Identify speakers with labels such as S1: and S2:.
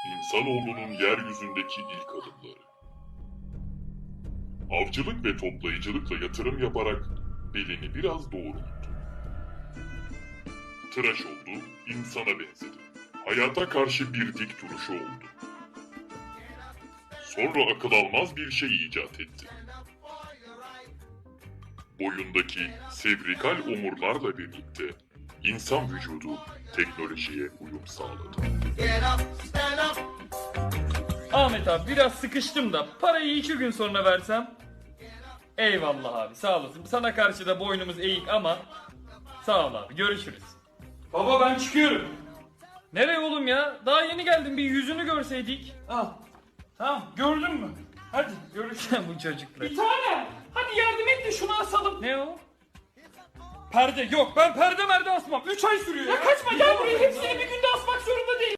S1: İnsanoğlunun yeryüzündeki ilk adımları. Avcılık ve toplayıcılıkla yatırım yaparak belini biraz doğrulttu. Tıraş oldu, insana benzedi. Hayata karşı bir dik duruşu oldu. Sonra akıl almaz bir şey icat etti. Boyundaki sevrikal omurlarla birlikte insan vücudu teknolojiye uyum sağladı.
S2: Ahmet abi biraz sıkıştım da parayı 2 gün sonra versem. Eyvallah abi, sağ olasın. Sana karşı da boynumuz eğik ama sağ ol abi, görüşürüz. Baba ben çıkıyorum. Nereye oğlum ya? Daha yeni geldim, bir yüzünü görseydik. Al. Tamam, gördün mü? Hadi görüşürüz. Bu çocuklar. Bir tane. Hadi yardım et de şunu asalım. Ne o? Perde yok. Ben perde asmam. 3 ay sürüyor ya. Ya kaçma, gel buraya. Hepsini bir günde asmak zorunda değil.